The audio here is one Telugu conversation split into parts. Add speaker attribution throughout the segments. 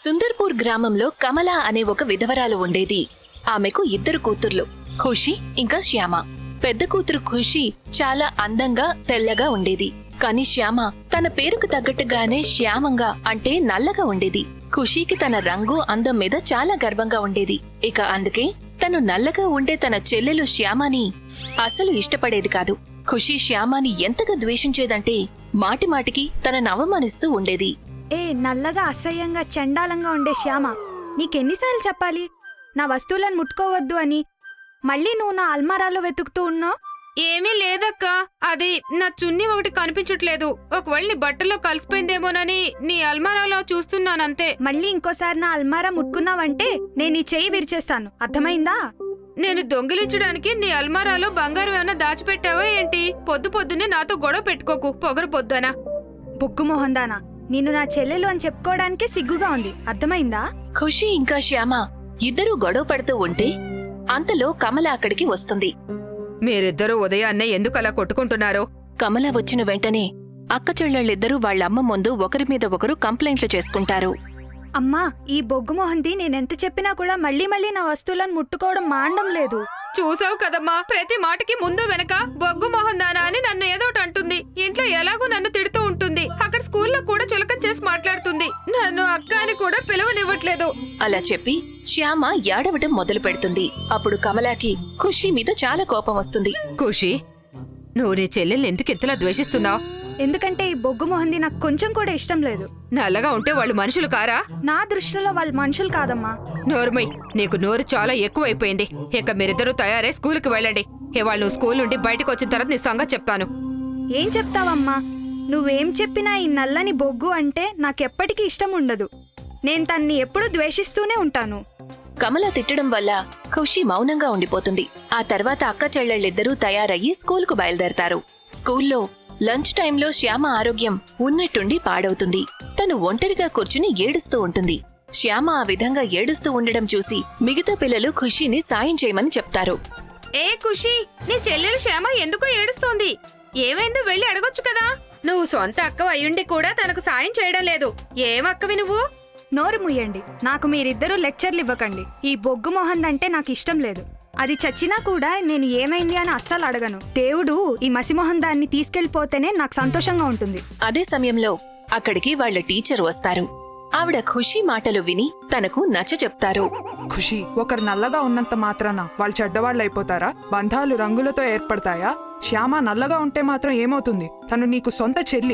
Speaker 1: సుందర్పూర్ గ్రామంలో కమల అనే ఒక విధవరాలు ఉండేది. ఆమెకు 2 కూతుర్లు, ఖుషి ఇంకా శ్యామ. పెద్ద కూతురు ఖుషి చాలా అందంగా తెల్లగా ఉండేది. కాని శ్యామ తన పేరుకు తగ్గట్టుగానే శ్యామంగా అంటే నల్లగా ఉండేది. ఖుషీకి తన రంగు అందం మీద చాలా గర్వంగా ఉండేది. ఇక అందుకే తను నల్లగా ఉండే తన చెల్లెలు శ్యామని అసలు ఇష్టపడేది కాదు. ఖుషి శ్యామని ఎంతగా ద్వేషించేదంటే మాటిమాటికి తనను అవమానిస్తూ ఉండేది.
Speaker 2: ఏ నల్లగా అసహ్యంగా చండాలంగా ఉండే శ్యామ, నీకెన్నిసార్లు చెప్పాలి నా వస్తువులను ముట్టుకోవద్దు అని? మళ్ళీ నువ్వు నా అల్మారాలో వెతుకుతూ ఉన్నావు.
Speaker 3: ఏమీ లేదక్క, అది నా చున్నీ ఒకటి కనిపించట్లేదు. ఒకవేళ నీ బట్టల్లో కలిసిపోయిందేమోనని నీ అల్మారాలో చూస్తున్నానంతే.
Speaker 2: మళ్ళీ ఇంకోసారి నా అల్మారా ముట్టుకున్నావంటే నేను నీ చెయ్యి విరిచేస్తాను, అర్థమైందా?
Speaker 3: నేను దొంగిలించడానికి నీ అల్మారాలో బంగారం ఏమైనా దాచిపెట్టావా ఏంటి? పొద్దున్నే నాతో గొడవ పెట్టుకోకు, పొగరు పొద్దునా.
Speaker 2: బొగ్గు మొహందానా, నిన్ను నా చెల్లెలు అని చెప్పుకోవడానికే సిగ్గుగా ఉంది, అర్థమైందా?
Speaker 1: ఖుషి ఇంకా శ్యామ ఇద్దరూ గొడవ పడుతూ ఉంటే అంతలో కమల అక్కడికి వస్తుంది.
Speaker 3: మీరిద్దరూ ఉదయాన్నే ఎందుకలా కొట్టుకుంటున్నారో?
Speaker 1: కమల వచ్చిన వెంటనే అక్క చెల్లెళ్ళిద్దరూ వాళ్లమ్మ ముందు ఒకరి మీద ఒకరు కంప్లైంట్లు చేసుకుంటారు.
Speaker 2: అమ్మా, ఈ బొగ్గు మొహంది నేనెంత చెప్పినా కూడా మళ్ళీ నా వస్తువులను ముట్టుకోవడం మాండం లేదు.
Speaker 3: చూసావు కదమ్మా, ప్రతి మాటకి ముందు వెనక బొగ్గు మొహందానా అని నన్ను ఏదోటి అంటుంది. ఇంట్లో ఎలాగో నన్ను తిడుతూ ఉంటుంది, అక్కడ స్కూల్లో కూడా చులకం చేసి మాట్లాడుతుంది. నన్ను అక్క అని కూడా పిలవనివ్వట్లేదు.
Speaker 1: అలా చెప్పి శ్యామ ఏడవటం మొదలు పెడుతుంది. అప్పుడు కమలాకి ఖుషి మీద చాలా కోపం వస్తుంది.
Speaker 3: ఖుషి, నువ్వు నీ చెల్లెల్ని ఎందుకు ఇంతలా ద్వేషిస్తున్నావు?
Speaker 2: ఎందుకంటే ఈ బొగ్గు మొహంది నాకు కొంచెం కూడా ఇష్టం లేదు.
Speaker 3: నల్లగా ఉంటే వాళ్ళు మనుషులు కారా?
Speaker 2: నా దృష్టిలో వాళ్ళు మనుషులు కాదమ్మా.
Speaker 3: నోరుమై, నీకు నోరు చాలా ఎక్కువైపోయింది. ఇక మీరిద్దరూ తయారై స్కూల్కి వెళ్ళండి. ఇవాళ నువ్వు స్కూల్ నుండి బయటకు వచ్చిన తర్వాత నీ సంగతి చెప్తాను.
Speaker 2: ఏం చెప్తావమ్మా? నువ్వేం చెప్పినా ఈ నల్లని బొగ్గు అంటే నాకెప్పటికీ ఇష్టం ఉండదు. నేను తన్ని ఎప్పుడూ ద్వేషిస్తూనే ఉంటాను.
Speaker 1: కమల తిట్టడం వల్ల ఖుషి మౌనంగా ఉండిపోతుంది. ఆ తర్వాత అక్క చెల్లెళ్ళిద్దరూ తయారయ్యి స్కూల్కు బయలుదేరతారు. స్కూల్లో లంచ్ టైంలో శ్యామ ఆరోగ్యం ఉన్నట్టుండి పాడవుతుంది. తను ఒంటరిగా కూర్చుని ఏడుస్తూ ఉంటుంది. శ్యామ ఆ విధంగా ఏడుస్తూ ఉండడం చూసి మిగతా పిల్లలు ఖుషిని సాయం చేయమని చెప్తారు.
Speaker 3: ఏ ఖుషి, నీ చెల్లెలు శ్యామ ఎందుకో ఏడుస్తోంది. ఏమైందో వెళ్ళి అడగొచ్చు కదా. నువ్వు సొంత అక్క అయ్యుండి కూడా తనకు సాయం చేయడం లేదు. ఏమక్కవి నువ్వు?
Speaker 2: నోరు ముయ్యండి. నాకు మీరిద్దరూ లెక్చర్లు ఇవ్వకండి. ఈ బొగ్గు మొహందంటే నాకు ఇష్టం లేదు. అది చచ్చినా కూడా నేను ఏమైంది అని అస్సలు అడగను. దేవుడు ఈ మసిమొహం దాన్ని తీసుకెళ్లిపోతేనే నాకు సంతోషంగా ఉంటుంది.
Speaker 1: అదే సమయంలో అక్కడికి వాళ్ల టీచర్ వస్తారు. ఆవిడ ఖుషి మాటలు విని తనకు నచ్చ చెప్తారు.
Speaker 4: ఖుషి, ఒకరు నల్లగా ఉన్నంత మాత్రాన వాళ్ళు చెడ్డవాళ్ళైపోతారా? బంధాలు రంగులతో ఏర్పడతాయా? శ్యామ నల్లగా ఉంటే మాత్రం ఏమవుతుంది? తను నీకు సొంత చెల్లి.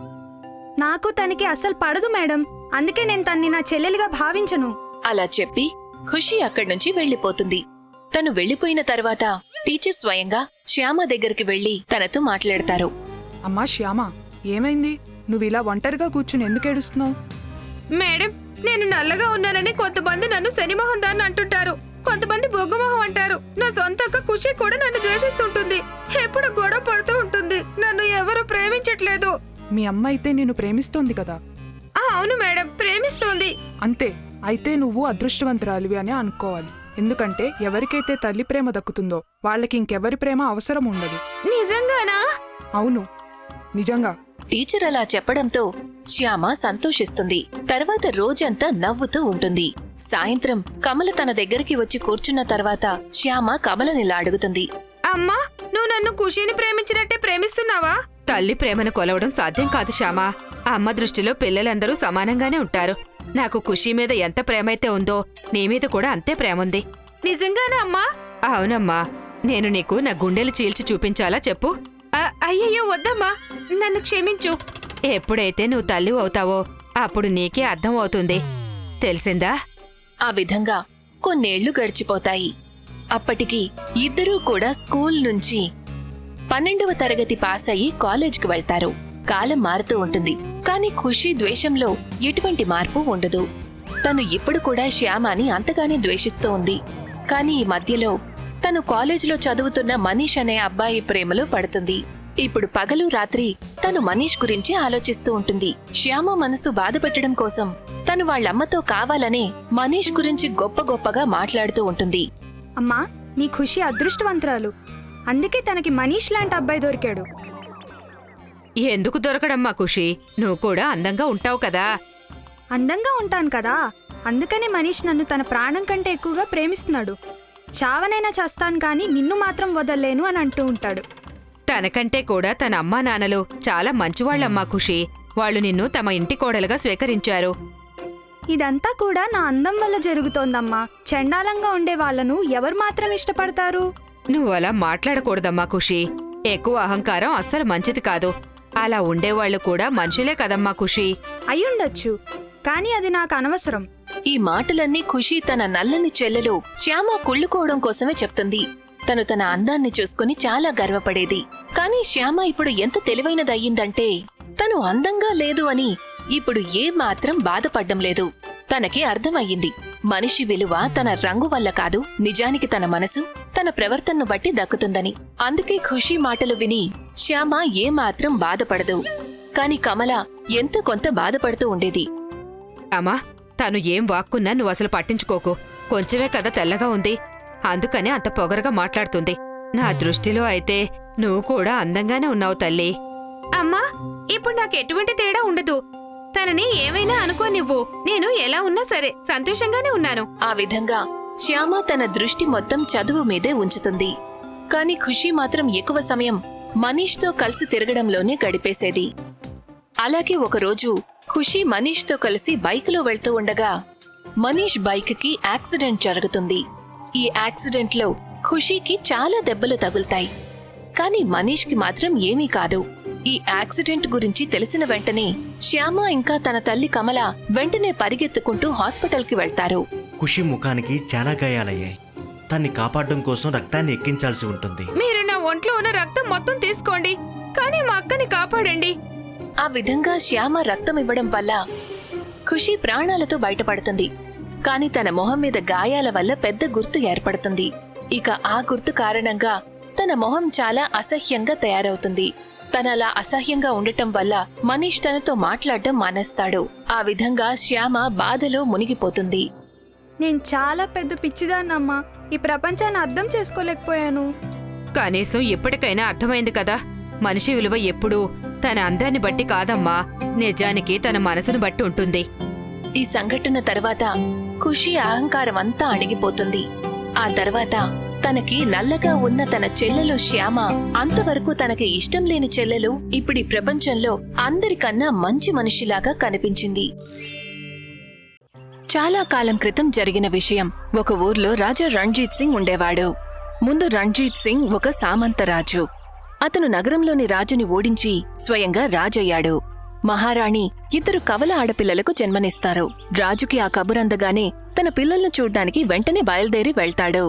Speaker 2: నాకు తనకి అస్సలు పడదు మేడం, అందుకే నేను తన్ని నా చెల్లెలిగా భావించను.
Speaker 1: అలా చెప్పి ఖుషి అక్కడ్నుంచి వెళ్లిపోతుంది. తను వెళ్లిపోయిన తర్వాత టీచర్ స్వయంగా శ్యామ దగ్గరికి వెళ్లి తనతో మాట్లాడతారు.
Speaker 4: అమ్మా శ్యామ, ఏమైంది? నువ్విలా ఒంటరిగా కూర్చుని ఎందుకు ఏడుస్తున్నావు?
Speaker 3: మేడం, నేను నల్లగా ఉన్నానని కొంతమంది నన్ను శనిమొహం దాన్ని అంటుంటారు, కొంతమంది బొగ్గుమొహం అంటారు. నా సొంత అక్క ఖుషి కూడా నన్ను ద్వేషిస్తుంటుంది. ఎప్పుడు గొడవ పడుతూ ఉంటుంది. నన్ను ఎవరూ ప్రేమించట్లేదు.
Speaker 4: మీ అమ్మ అయితే నిన్ను ప్రేమిస్తోంది కదా?
Speaker 3: అవును మేడం, ప్రేమిస్తోంది.
Speaker 4: అంతే. అయితే నువ్వు అదృష్టవంతురాలివి అని అనుకోవాలి. ఎందుకంటే ఎవరికైతే తల్లి ప్రేమ దక్కుతుందో వాళ్ళకి ఇంకెవరి ప్రేమ అవసరం ఉండదు.
Speaker 3: నిజంగానా?
Speaker 4: అవును, నిజంగా.
Speaker 1: టీచర్ అలా చెప్పడంతో శ్యామ సంతోషిస్తుంది. తర్వాత రోజంతా నవ్వుతూ ఉంటుంది. సాయంత్రం కమల తన దగ్గరికి వచ్చి కూర్చున్న తర్వాత శ్యామ కమలనిలా అడుగుతుంది.
Speaker 3: అమ్మా, నువ్వు నన్ను ఖుషిని ప్రేమించినట్టే ప్రేమిస్తున్నావా? తల్లి ప్రేమను కొలవడం సాధ్యం కాదు శ్యామా. అమ్మ దృష్టిలో పిల్లలందరూ సమానంగానే ఉంటారు. నాకు ఖుషి మీద ఎంత ప్రేమైతే ఉందో నీ మీద కూడా అంతే ప్రేముంది. నిజంగానా అమ్మా? అవునమ్మా. నేను నీకు నా గుండెలు చీల్చి చూపించాలా చెప్పు? అయ్యయ్యో వద్దమ్మా, నన్ను క్షమించు. ఎప్పుడైతే నువ్వు తల్లి అవుతావో అప్పుడు నీకే అర్థం అవుతుంది, తెలిసిందా?
Speaker 1: ఆ విధంగా కొన్నేళ్లు గడిచిపోతాయి. అప్పటికి ఇద్దరూ కూడా స్కూల్ నుంచి 12వ తరగతి పాస్ అయ్యి కాలేజ్కి వెళ్తారు. కాలం మారుతూ ఉంటుంది, కాని ఖుషి ద్వేషంలో ఎటువంటి మార్పు ఉండదు. తను ఇప్పుడు కూడా శ్యామని అంతగానే ద్వేషిస్తూ ఉంది. కాని ఈ మధ్యలో తను కాలేజీలో చదువుతున్న మనీష్ అనే అబ్బాయి ప్రేమలో పడుతుంది. ఇప్పుడు పగలు రాత్రి తను మనీష్ గురించి ఆలోచిస్తూ ఉంటుంది. శ్యామ మనసు బాధపెట్టడం కోసం తను వాళ్ళమ్మతో కావాలనే మనీష్ గురించి గొప్పగా మాట్లాడుతూ ఉంటుంది.
Speaker 2: అమ్మా, నీ ఖుషి అదృష్టవంతురాలు, అందుకే తనకి మనీష్ లాంటి అబ్బాయి దొరికాడు.
Speaker 3: ఎందుకు దొరకడమ్మా ఖుషి? నువ్వు కూడా అందంగా ఉంటావు కదా.
Speaker 2: అందంగా ఉంటాను కదా, అందుకని మనీష్ నన్ను తన ప్రాణం కంటే ఎక్కువగా ప్రేమిస్తున్నాడు. చావనైనా చేస్తాను కానీ నిన్ను మాత్రం వదల్లేను అని అంటూ ఉంటాడు.
Speaker 3: తనకంటే కూడా తన అమ్మా నాన్నలు చాలా మంచివాళ్లమ్మా ఖుషి. వాళ్ళు నిన్ను తమ ఇంటి కోడలుగా స్వీకరించారు.
Speaker 2: ఇదంతా కూడా నా అందం వల్ల జరుగుతోందమ్మా. చండాలంగా ఉండే వాళ్ళను ఎవరు మాత్రం ఇష్టపడతారు?
Speaker 3: నువ్వలా మాట్లాడకూడదమ్మా ఖుషి. ఎక్కువ అహంకారం అస్సలు మంచిది కాదు. అలా ఉండేవాళ్లు కూడా మనుషులే కదమ్మా ఖుషి.
Speaker 2: అయ్యుండొచ్చు, కానీ అది నాకు అనవసరం.
Speaker 1: ఈ మాటలన్నీ ఖుషి తన నల్లని చెల్లెలు శ్యామ కుళ్ళుకోవడం కోసమే చెప్తుంది. తను తన అందాన్ని చూసుకుని చాలా గర్వపడేది. కానీ శ్యామ ఇప్పుడు ఎంత తెలివైనదయ్యిందంటే తను అందంగా లేదు అని ఇప్పుడు ఏమాత్రం బాధపడ్డం లేదు. తనకి అర్థమయ్యింది, మనిషి విలువ తన రంగు వల్ల కాదు, నిజానికి తన మనసు, తన ప్రవర్తనను బట్టి దక్కుతుందని. అందుకే ఖుషి మాటలు విని శ్యామ ఏమాత్రం బాధపడదు. కాని కమల ఎంత కొంత బాధపడుతూ ఉండేది.
Speaker 3: అమ్మా, తను ఏం వాక్కున్నా నువ్వు అసలు పట్టించుకోకు. కొంచెమే కదా తెల్లగా ఉంది, అందుకని అంత పొగరగా మాట్లాడుతుంది. నా దృష్టిలో అయితే నువ్వు కూడా అందంగానే ఉన్నావు తల్లి. అమ్మా, ఇప్పుడు నాకు ఎటువంటి తేడా ఉండదు. తనని ఏమైనా అనుకోనివ్వు. నేను ఎలా ఉన్నా సరే సంతోషంగానే ఉన్నాను.
Speaker 1: ఆ విధంగా శ్యామ తన దృష్టి మొత్తం చదువు మీదే ఉంచుతుంది. కాని ఖుషి మాత్రం ఎక్కువ సమయం మనీష్తో కలిసి తిరగడంలోనే గడిపేసేది. అలాగే ఒకరోజు ఖుషి మనీష్తో కలిసి బైకులో వెళ్తూ ఉండగా మనీష్ బైక్కి యాక్సిడెంట్ జరుగుతుంది. ఈ యాక్సిడెంట్లో ఖుషీకి చాలా దెబ్బలు తగులుతాయి. కాని మనీష్కి మాత్రం ఏమీ కాదు. ఈ యాక్సిడెంట్ గురించి తెలిసిన వెంటనే శ్యామ ఇంకా తన తల్లి కమల వెంటనే పరిగెత్తుకుంటూ హాస్పిటల్కి వెళ్తారు.
Speaker 5: ఖుషి ముఖానికి చాలా గాయాలయ్యాయి. తన్ని కాపాడడం కోసం రక్తాన్ని ఎక్కించాల్సి ఉంటుంది.
Speaker 3: మీరు నా ఒంట్లో ఉన్న రక్తం మొత్తం తీసుకోండి, కానీ మా అక్కని కాపాడండి.
Speaker 1: ఆ విధంగా శ్యామ రక్తం ఇవ్వడం వల్ల ఖుషి ప్రాణాలతో బయటపడుతుంది. కాని తన మొహం మీద గాయాల వల్ల పెద్ద గుర్తు ఏర్పడుతుంది. ఇక ఆ గుర్తు కారణంగా తన మొహం చాలా అసహ్యంగా తయారవుతుంది. తనలా అసహ్యంగా ఉండటం వల్ల మనీష్ తనతో మాట్లాడడం మానేస్తాడు. ఆ విధంగా శ్యామ బాధలో మునిగిపోతుంది.
Speaker 2: నేను చాలా పెద్ద పిచ్చిదాన్నమ్మా. ఈ ప్రపంచాన్ని అర్థం చేసుకోలేకపోయాను.
Speaker 3: కనీసం ఇప్పటికైనా అర్థమైంది కదా, మనిషి విలువ ఎప్పుడూ తన అందాన్ని బట్టి కాదమ్మా, నిజానికి తన మనసును బట్టి ఉంటుంది.
Speaker 1: ఈ సంఘటన తర్వాత ఖుషి అహంకారం అంతా అణిగిపోతుంది. ఆ తర్వాత తనకి నల్లగా ఉన్న తన చెల్లెలు శ్యామ, అంతవరకు తనకి ఇష్టం లేని చెల్లెలు ఇప్పుడు ఈ ప్రపంచంలో అందరికన్నా మంచి మనిషిలాగా కనిపించింది. చాలా కాలం క్రితం జరిగిన విషయం. ఒక ఊర్లో రాజా రణ్జీత్ సింగ్ ఉండేవాడు. ముందు రణ్జీత్ సింగ్ ఒక సామంతరాజు. అతను నగరంలోని రాజుని ఓడించి స్వయంగా రాజయ్యాడు. మహారాణి ఇద్దరు కవల ఆడపిల్లలకు జన్మనిస్తారు. రాజుకి ఆ కబురందగానే తన పిల్లలను చూడ్డానికి వెంటనే బయలుదేరి వెళ్తాడు.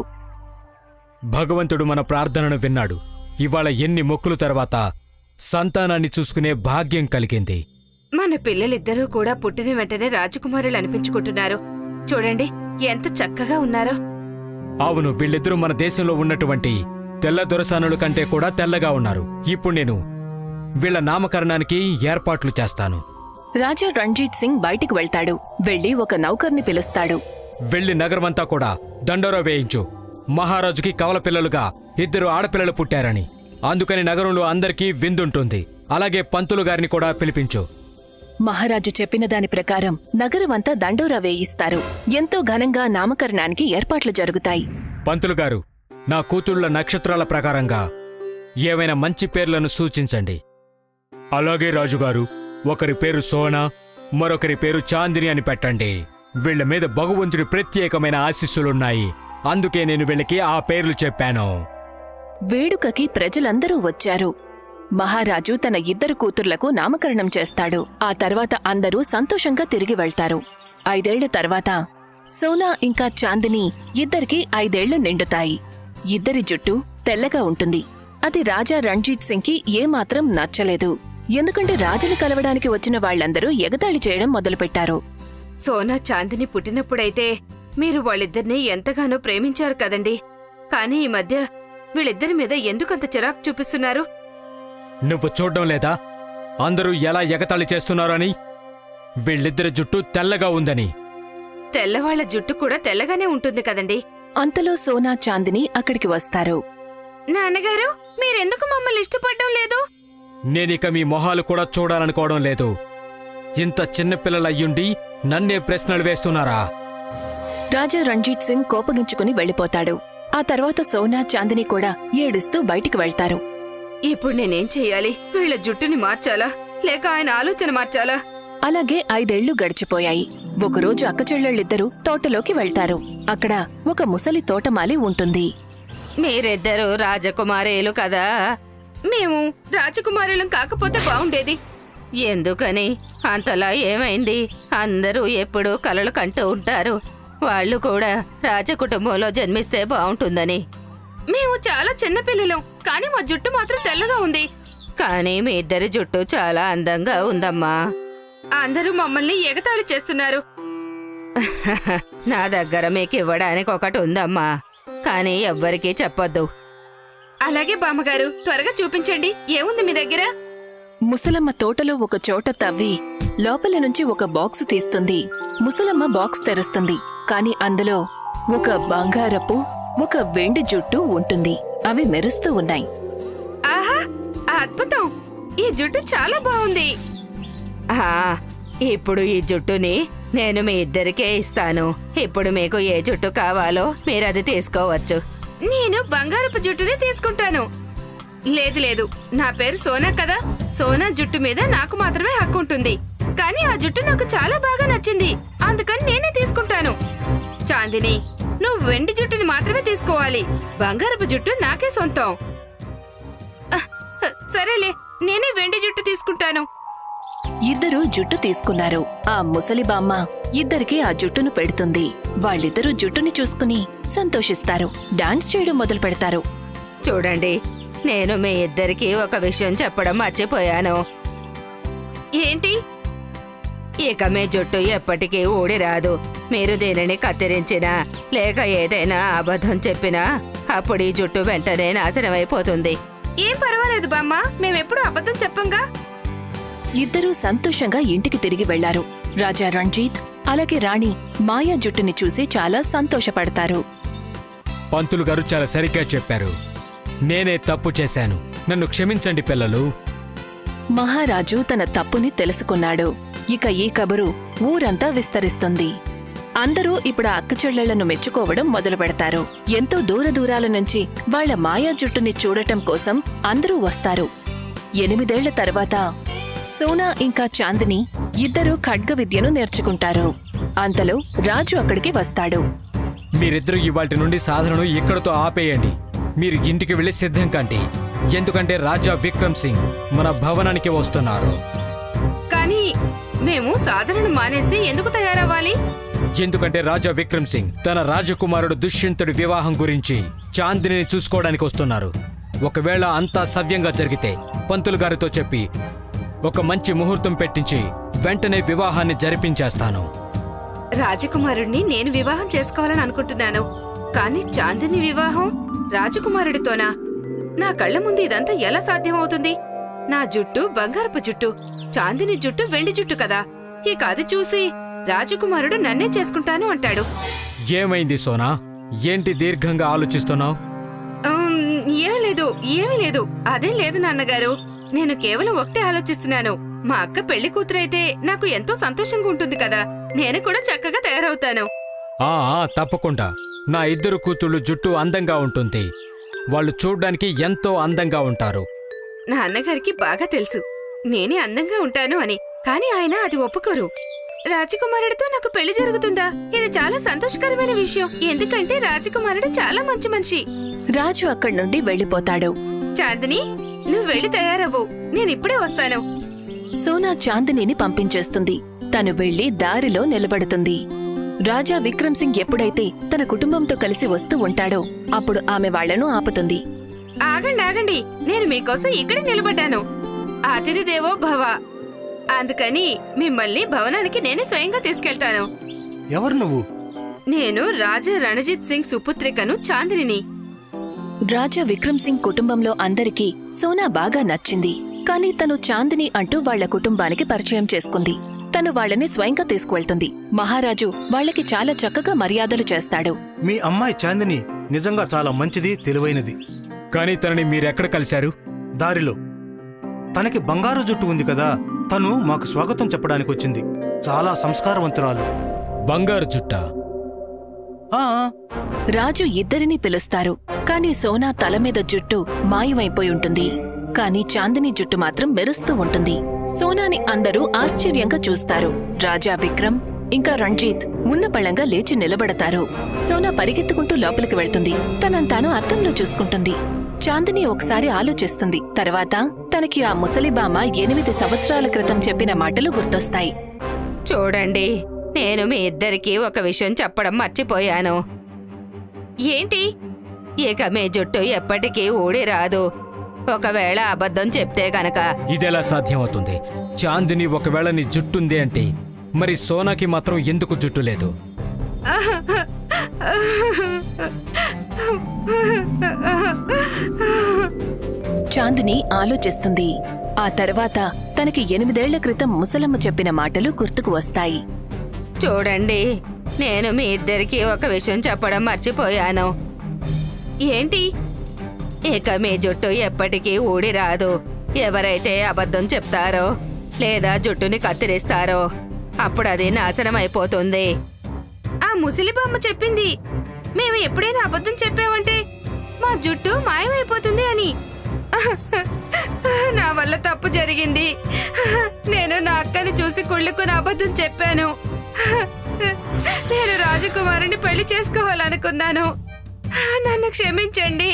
Speaker 6: భగవంతుడు మన ప్రార్థనను విన్నాడు. ఇవాళ ఎన్ని మొక్కులు తర్వాత సంతానాన్ని చూసుకునే భాగ్యం కలిగింది.
Speaker 3: మన పిల్లలిద్దరూ కూడా పుట్టిన వెంటనే రాజకుమారులు అనిపించుకుంటున్నారు. చూడండి ఎంత చక్కగా ఉన్నారో.
Speaker 6: అవును, వీళ్ళిద్దరూ మన దేశంలో ఉన్నటువంటి తెల్ల దొరసానుల కంటే కూడా తెల్లగా ఉన్నారు. ఇప్పుడు నేను వీళ్ల నామకరణానికి ఏర్పాట్లు చేస్తాను.
Speaker 1: రాజా రణ్జీత్ సింగ్ బయటికి వెళ్తాడు. వెళ్లి ఒక నౌకర్ని పిలుస్తాడు.
Speaker 6: వెళ్లి నగరమంతా కూడా దండోరా వేయించు. మహారాజుకి కవల పిల్లలుగా ఇద్దరు ఆడపిల్లలు పుట్టారని, అందుకని నగరంలో అందరికీ విందుంటుంది. అలాగే పంతులు గారిని కూడా పిలిపించు.
Speaker 1: మహారాజు చెప్పిన దాని ప్రకారం నగరమంతా దండోరా వేయిస్తారు. ఎంతో ఘనంగా నామకరణానికి ఏర్పాట్లు జరుగుతాయి.
Speaker 6: పంతులు గారు, నా కూతుళ్ల నక్షత్రాల ప్రకారంగా ఏవైనా మంచి పేర్లను సూచించండి. అలాగే రాజుగారు, ఒకరి పేరు సోనా, మరొకరి పేరు చాందిని అని పెట్టండి. వీళ్ల మీద భగవంతుడి ప్రత్యేకమైన ఆశీస్సులున్నాయి. అందుకే నేను వీళ్ళకి ఆ పేర్లు చెప్పాను.
Speaker 1: వేడుకకి ప్రజలందరూ వచ్చారు. మహారాజు తన ఇద్దరు కూతుర్లకు నామకరణం చేస్తాడు. ఆ తర్వాత అందరూ సంతోషంగా తిరిగి వెళ్తారు. 5 ఏళ్ల తర్వాత సోనా ఇంకా చాందిని ఇద్దరికి 5 ఏళ్లు నిండుతాయి. ఇద్దరి జుట్టు తెల్లగా ఉంటుంది. అది రాజా రణ్జీత్ సింగ్కి ఏమాత్రం నచ్చలేదు. ఎందుకంటే రాజుని కలవడానికి వచ్చిన వాళ్లందరూ ఎగతాళి చేయడం మొదలుపెట్టారు.
Speaker 3: సోనా చాందిని పుట్టినప్పుడైతే మీరు వాళ్ళిద్దరినీ ఎంతగానో ప్రేమించారు కదండి. కానీ ఈ మధ్య వీళ్ళిద్దరి మీద ఎందుకంత చిరాకు చూపిస్తున్నారు?
Speaker 6: నువ్వు చూడ్డం లేదా అందరూ ఎలా ఎగతాళి చేస్తున్నారో అని? వీళ్ళిద్దరి జుట్టు తెల్లగా ఉందని.
Speaker 3: తెల్లవాళ్ల జుట్టు కూడా తెల్లగానే ఉంటుంది కదండి.
Speaker 1: అంతలో సోనా చాందిని అక్కడికి వస్తారు.
Speaker 3: నాన్నగారు, మీరెందుకు మమ్మల్ని ఇష్టపడడం లేదు?
Speaker 6: నేనిక మీ మొహాలు కూడా చూడాలనుకోవడం లేదు. ఇంత చిన్నపిల్లలయ్యుండి నన్నే ప్రశ్నలు వేస్తున్నారా?
Speaker 1: రాజా రణ్జీత్ సింగ్ కోపగించుకుని వెళ్ళిపోతాడు. ఆ తర్వాత సోనా, చాందిని కూడా ఏడుస్తూ బయటికి వెళ్తారు.
Speaker 3: ఇప్పుడు నేనేం చెయ్యాలి? వీళ్ళ జుట్టుని మార్చాలా లేక ఆయన ఆలోచన మార్చాలా?
Speaker 1: అలాగే 5 ఏళ్లు గడిచిపోయాయి. ఒకరోజు అక్కచెల్లెళ్ళిద్దరూ తోటలోకి వెళ్తారు. అక్కడ ఒక ముసలి తోటమాలి ఉంటుంది.
Speaker 3: మీరిద్దరూ రాజకుమారీలు కదా? మేము రాజకుమారులం కాకపోతే బావుండేది. ఎందుకని? అంతలా ఏమైంది? అందరూ ఎప్పుడూ కలలు కంటూ ఉంటారు. వాళ్ళు కూడా రాజకుటుంబంలో జన్మిస్తే బావుంటుందని. మేము చాలా చిన్నపిల్లలం, కానీ మా జుట్టు మాత్రం తెల్లగా ఉంది. కానీ మీ ఇద్దరి జుట్టు చాలా అందంగా ఉందమ్మా. అందరూ మమ్మల్ని ఎగతాళి చేస్తున్నారు. నా దగ్గర మీకు ఇవ్వడానికి ఒకటి ఉందమ్మా, కానీ ఎవ్వరికీ చెప్పొద్దు. అలాగే బామ్మగారు, త్వరగా చూపించండి. ఏముంది మీ దగ్గర?
Speaker 1: ముసలమ్మ తోటలో ఒక చోట తవ్వి లోపల నుంచి ఒక బాక్స్ తీస్తుంది. ముసలమ్మ బాక్స్ తెరుస్తుంది. కాని అందులో ఒక బంగారపు, ఒక వెండి జుట్టు ఉంటుంది. అవి మెరుస్తూ ఉన్నాయి.
Speaker 3: ఆహా, అద్భుతం! ఈ జుట్టు చాలా బాగుంది. ఇప్పుడు ఈ జుట్టుని నేను మీ ఇద్దరికే ఇస్తాను. ఇప్పుడు మీకు ఏ జుట్టు కావాలో మీరది తీసుకోవచ్చు. నేను బంగారపు జుట్టుని తీసుకుంటాను. లేదు లేదు, నా పేరు సోనా కదా. సోనా జుట్టు మీద నాకు మాత్రమే హక్కు ఉంటుంది. కానీ ఆ జుట్టు నాకు చాలా బాగా నచ్చింది, అందుకని నేనే తీసుకుంటాను. చాందిని, నువ్వు వెండి జుట్టుని మాత్రమే తీసుకోవాలి. బంగారపు జుట్టు నాకే సొంతం. సరేలే, నేనే వెండి జుట్టు తీసుకుంటాను.
Speaker 1: ఇద్దరూ జుట్టు తీసుకున్నారు. ఆ ముసలి బామ్మ ఇద్దరికీ ఆ జుట్టును పెడుతుంది. వాళ్ళిద్దరూ జుట్టుని చూసుకుని సంతోషిస్తారు. డాన్స్ చేయడం మొదలు పెడతారు.
Speaker 3: చూడండి, నేను మీ ఇద్దరికీ ఒక విషయం చెప్పడం మర్చిపోయాను. ఏంటి? ఇక మీ జుట్టు ఎప్పటికీ ఊడిరాదు. మీరు దీనిని కత్తిరించినా లేక ఏదైనా అబద్ధం చెప్పినా అప్పుడు ఈ జుట్టు వెంటనే నాశనమైపోతుంది. ఏం పర్వాలేదు బామ్మ, మేమెప్పుడు అబద్ధం చెప్పంగా.
Speaker 1: ఇద్దరూ సంతోషంగా ఇంటికి తిరిగి వెళ్లారు. రాజా రణ్జీత్ అలాగే రాణి మాయా జుట్టుని చూసి చాలా సంతోషపడతారు.
Speaker 6: పంతులు గారు చాలా సరిగ్గా చెప్పారు. నేనే తప్పు చేశాను. నన్ను క్షమించండి పిల్లలు.
Speaker 1: మహారాజు తన తప్పుని తెలుసుకున్నాడు. ఇక ఈ కబురు ఊరంతా విస్తరిస్తుంది. అందరూ ఇప్పుడు ఆ అక్కచెల్లెళ్లను మెచ్చుకోవడం మొదలు పెడతారు. ఎంతో దూరాల నుంచి వాళ్ల మాయా జుట్టుని చూడటం కోసం అందరూ వస్తారు. 8 ఏళ్ల తర్వాత సోనా ఇంకా చాందిని ఇద్దరూ ఖడ్గ విద్యను నేర్చుకుంటారు. అంతలో రాజు అక్కడికి వస్తాడు.
Speaker 6: మీరిద్దరూ ఇవాల్టి నుండి సాధనను ఇక్కడతో ఆపేయండి. మీరు ఇంటికి వెళ్లి సిద్ధం కండి. ఎందుకంటే రాజా విక్రమ్ సింగ్ మన భవనానికి వస్తున్నారు.
Speaker 3: కానీ మేము సాధనను మానేసి ఎందుకు తయారవ్వాలి?
Speaker 6: ఎందుకంటే రాజా విక్రమ్ సింగ్ తన రాజకుమారుడు దుష్యంతుడి వివాహం గురించి చాందిని చూసుకోవడానికి వస్తున్నారు. ఒకవేళ అంతా సవ్యంగా జరిగితే పంతులు గారితో చెప్పి ఒక మంచి ముహూర్తం పెట్టించి వెంటనే వివాహాన్ని జరిపించేస్తాను.
Speaker 3: రాజకుమారుడిని నేను వివాహం చేసుకోవాలని అనుకుంటున్నాను, కానీ చాందిని వివాహం రాజకుమారుడితోనా? నా కళ్ల ముందు ఇదంతా ఎలా సాధ్యమవుతుంది? నా జుట్టు బంగారపు జుట్టు, చాందిని జుట్టు వెండి జుట్టు కదా. ఇక అది చూసి రాజకుమారుడు నన్నే చేసుకుంటాను అంటాడు.
Speaker 6: ఏమైంది సోనా? ఏంటి దీర్ఘంగా ఆలోచిస్తున్నావు?
Speaker 3: ఏమీ లేదు. అదేం లేదు నాన్నగారు. నేను కేవలం ఒకటే ఆలోచిస్తున్నాను. మా అక్క పెళ్లి కూతురైతే నాకు ఎంతో సంతోషంగా ఉంటుంది కదా. నేను కూడా చక్కగా తయారవుతాను.
Speaker 6: తప్పకుండా. నా ఇద్దరు కూతుళ్ళు జుట్టు అందంగా ఉంటుంది. వాళ్ళు చూడ్డానికి ఎంతో అందంగా ఉంటారు.
Speaker 3: నా అన్నగారికి బాగా తెలుసు నేనే అందంగా ఉంటాను అని, కానీ ఆయన అది ఒప్పుకోరు. రాజకుమారుడితో నాకు పెళ్లి జరుగుతుందా? ఇది చాలా సంతోషకరమైన విషయం, ఎందుకంటే రాజకుమారుడు చాలా మంచి మనిషి.
Speaker 1: రాజు అక్కడి నుండి వెళ్లిపోతాడు.
Speaker 3: చాందిని, నువ్వు వెళ్లి తయారవ్వు, నేనిప్పుడే వస్తాను.
Speaker 1: సోనా చాందినిని పంపించేస్తుంది. తను వెళ్లి దారిలో నిలబడుతుంది. రాజా విక్రమ్ సింగ్ ఎప్పుడైతే తన కుటుంబంతో కలిసి వస్తూ ఉంటాడో అప్పుడు ఆమె వాళ్లను ఆపుతుంది.
Speaker 3: ఆగండి, నేను మీకోసం ఇక్కడే నిలబడ్డాను. అతిథి దేవో భవ, అందుకని మిమ్మల్ని భవనానికి నేనే స్వయంగా తీసుకెళ్తాను.
Speaker 7: ఎవరు నువ్వు?
Speaker 3: నేను రాజా రణజిత్ సింగ్ సుపుత్రికను చాందిని.
Speaker 1: రాజా విక్రమ్ సింగ్ కుటుంబంలో అందరికీ సోనా బాగా నచ్చింది. కాని తను చాందిని అంటూ వాళ్ల కుటుంబానికి పరిచయం చేసుకుంది. తను వాళ్ళని స్వయంగా తీసుకువెళ్తుంది. మహారాజు వాళ్లకి చాలా చక్కగా మర్యాదలు చేస్తాడు.
Speaker 7: మీ అమ్మాయి చాందిని నిజంగా చాలా మంచిది, తెలివైనది.
Speaker 6: కానీ తనని మీరెక్కడ కలిశారు?
Speaker 7: దారిలో. తనకి బంగారు జుట్టు ఉంది కదా, తను మాకు స్వాగతం చెప్పడానికి వచ్చింది. చాలా సంస్కారవంతురాలు.
Speaker 6: బంగారు చుట్ట.
Speaker 7: ఆ,
Speaker 1: రాజు ఇద్దరినీ పిలుస్తారు. కాని సోనా తల మీద జుట్టు మాయమైపోయి ఉంటుంది. కాని చాందిని జుట్టు మాత్రం మెరుస్తూ ఉంటుంది. సోనాని అందరూ ఆశ్చర్యంగా చూస్తారు. రాజా విక్రమ్ ఇంకా రణ్జీత్ ఉన్నపళంగా లేచి నిలబడతారు. సోనా పరిగెత్తుకుంటూ లోపలికి వెళ్తుంది. తనంతాను అద్దంలో చూసుకుంటుంది. చాందిని ఒకసారి ఆలోచిస్తుంది. తర్వాత తనకి ఆ ముసలిబామ 8 సంవత్సరాల క్రితం చెప్పిన మాటలు గుర్తొస్తాయి.
Speaker 3: చూడండి, నేను మీ ఇద్దరికీ ఒక విషయం చెప్పడం మర్చిపోయాను.
Speaker 2: ఏంటి?
Speaker 3: ఇక మీ జుట్టు ఎప్పటికీ ఊడి రాదు. ఒకవేళ అబద్ధం చెప్తే గనక
Speaker 6: ఇదెలా సాధ్యమవుతుంది? చాందిని ఒకవేళ నీ జుట్టుంది అంటే మరి సోనాకి మాత్రం ఎందుకు జుట్టు లేదు?
Speaker 1: చాందిని ఆలోచిస్తుంది. ఆ తర్వాత తనకి 8 ఏళ్ల క్రితం ముసలమ్మ చెప్పిన మాటలు గుర్తుకు వస్తాయి.
Speaker 3: చూడండి, నేను మీ ఇద్దరికీ ఒక విషయం చెప్పడం మర్చిపోయాను.
Speaker 2: ఏంటి?
Speaker 3: ఇక మీ జుట్టు ఎప్పటికీ ఊడి రాదు. ఎవరైతే అబద్ధం చెప్తారో లేదా జుట్టుని కత్తిరిస్తారో అప్పుడు అది నాశనం అయిపోతుంది.
Speaker 2: ఆ ముసలిబామ్మ చెప్పింది మేము ఎప్పుడైనా అబద్ధం చెప్పామంటే మా జుట్టు మాయమైపోతుంది అని. నా వల్ల తప్పు జరిగింది. నేను నా అక్కని చూసి కుళ్ళుకుని అబద్ధం చెప్పాను. నేను రాజకుమారుని పెళ్లి చేసుకోవాలనుకున్నాను. నన్ను క్షమించండి.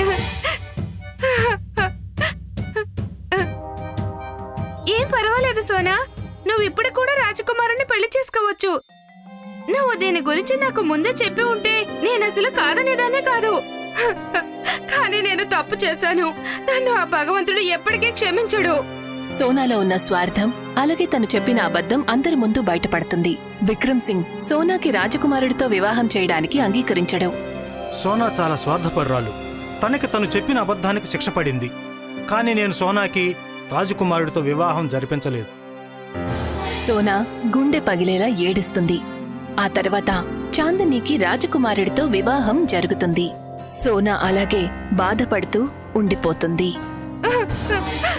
Speaker 2: ఏం పర్వాలేదు సోనా, నువ్వు ఇప్పుడు కూడా రాజకుమారుని పెళ్లి చేసుకోవచ్చు. నువ్వు దీని గురించి నాకు ముందే చెప్పి ఉంటే నేను అసలు కాదనేదానే కాదు. కానీ నేను తప్పు చేశాను. నన్ను ఆ భగవంతుడు ఎప్పటికీ క్షమించడు.
Speaker 1: సోనాలో ఉన్న స్వార్థం అలాగే తను చెప్పిన అబద్ధం అందరి ముందు బయటపడుతుంది. విక్రమ్ సింగ్ సోనాకి రాజకుమారుడితో వివాహం చేయడానికి అంగీకరించడు.
Speaker 7: సోనా చాలా స్వార్థపరురాలు. తనకి తను చెప్పిన అబద్ధానికి శిక్ష పడింది. కానీ నేను సోనాకి రాజకుమారుడితో వివాహం జరిపించలేదు.
Speaker 1: సోనా గుండె పగిలేలా ఏడుస్తుంది. ఆ తర్వాత చాందనీకి రాజకుమారుడితో వివాహం జరుగుతుంది. సోనా అలాగే బాధపడుతూ ఉండిపోతుంది.